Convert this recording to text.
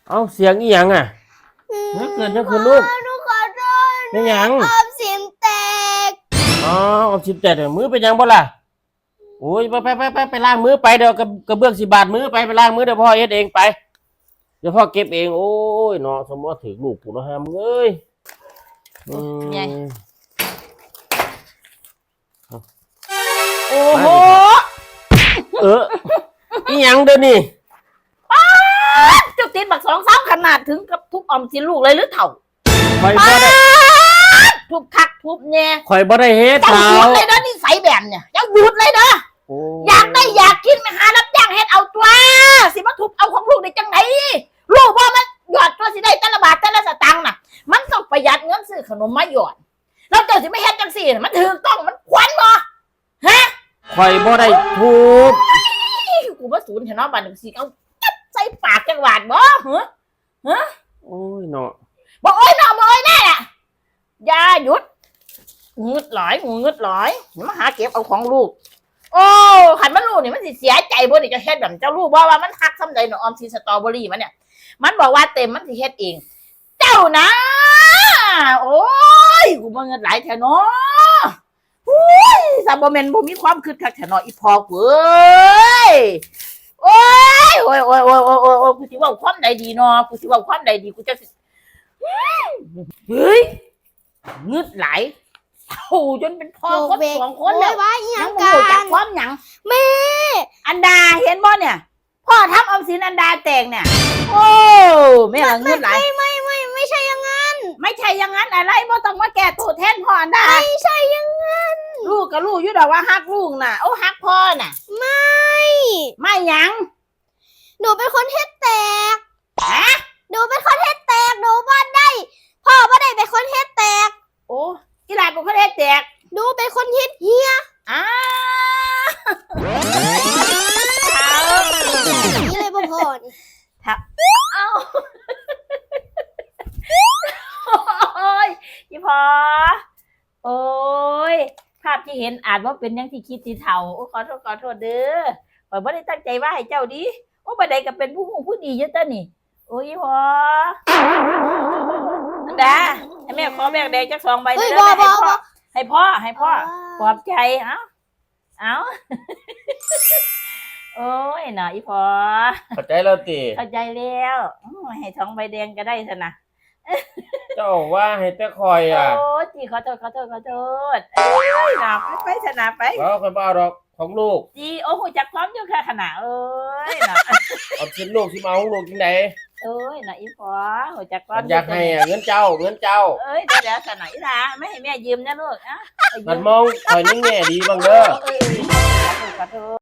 เอาเสียงอีหยังอ่ะเกิดจะคือลูกหนูขอโทษเป็นหยังออมสินแตกอ๋อเอาสิบแปดมือเป็นหยังบ่ล่ะโอ้ยไปล้างมือไปเดี๋ยวกระเบื้อง10 บาทมือไปล้างมือเดี๋ยวพ่อเฮ็ดเองไปเดี๋ยวพ่อเก็บเองโอ้ยเนาะสมมติถือลูกกูเนาะฮะมึงเอ้ยไงโอ้โหอีหยังเด้อนี่จุดติดบัก2-3ขนาดถึงกับทุบออมสินลูกเลยหรือเถ่าข่อยบ่ได้ทุบคักทุบแน่ข่อยบ่ได้เฮ็ดเจ้าหยุดเลยนะนี่ใส่แบบเนี่ยเจ้าหยุดเลยนะอยากได้อยากกินไปหารับจ้างเฮ็ดเอาตัวสิมาทุบเอาของลูกได้จังไหนลูกว่ามันหยอดตัวสิได้แต่ละบาทแต่ละสตางค์น่ะมันต้องประหยัดเงินซื้อขนมมาหยอดแล้วเจ้าสิไม่เฮ็ดจังสี่มันถูกต้องมันควรบ่ฮะข่อยบ่ได้ทุบกูว่าศูนย์เห็นเนาะบาดนึงสิเอาจับใส่ปากจังหวัดบ่ฮะโอ้ยเนาะบ่โอ้ยเนาะบ่โอ้ยแน่อย่าหยุดงึดหลายมาหาเก็บเอาของลูกโอ้ขันมันลูกนี่มันสิเสียใจบ่นี่จะเฮ็ดแบบเจ้าลูกว่ามันฮักซ้ำใดเนาะออมสินสตรอเบอรี่มันเนี่ยมันบอกว่าเต็มมันสิเฮ็ดเองเจ้านะโอ้ยกูบ่เงินหลายแท้เนาะโอ้ยซาบ่แม่นบ่มีความคิดคักแท้เนาะอีพอกูเอ้ยโอ้ยกูสิเว้าความใดดีเนาะกูสิเว้าความใดดีกูจะเฮ้ยงึดหลายโอ้จนเป็นพ่อคน2 คนแล้วยังบ่รู้จักความหยังแม่อันดาเห็นบ่เนี่ยพ่อทำออมสินอันดาแตกเนี่ยโอ้แม่ละงึดหลายไม่ใช่อย่างนั้นไม่ใช่อย่างนั้นอะไรบ่ต้องมาแก้ตัวแทนพ่ออันดาไม่ใช่อย่างนั้นลูกกับลูกอยู่ดอกว่าฮักลูกน่ะโอ้ฮักพ่อน่ะไม่หยังหนูเป็นคนเฮ็ดแตกหนูเป็นคนเฮ็ดแตกหนูบ่ได้พ่อบ่ได้เป็นคนเฮ็ดแตกโอ้กีฬาเป็นคนเฮ็ดแตกหนูเป็นคนเฮ็ดเฮียนี่เลยบ่พอนี่เอ้าโอ้ยพี่พอโอ้ยภาพที่เห็นอาจว่าเป็นยังที่คิดที่เท่าโอ้ขอโทษเด้อข่อยบ่ได้ตั้งใจว่าให้เจ้าดิโอ้บ่ได้ก็เป็นผู้ดีอยู่ตะนี่โอ้ยพออันดาให้แม่ขอแบกแดงจัก2 ใบเด้อให้พ่อปลอบใจเอ้าโอ้ยหน่อยพอเข้าใจแล้วติเข้าใจแล้วให้2 ใบแดงก็ได้ซะนะเจ้าว่าให้แต่คอยอ่ะโอ้จีขอโทษเอ้ยหนาไปชนะไปคนบ้าดอกของลูกจีโอ้โหจักพร้อมอยู่ค่ะขนาดเอ้ยหนาเอาชิ้นลูกที่มาของลูกที่ไหนเอ้ยหน่อยพอหัวจักพร้อมอยากให้เงินเจ้าเอ้ยเดี๋ยวขนาดละไม่ให้แม่ยืมนะลูกมันมองคอยนิ่งแง่ดีบ้างเด้อขอโทษ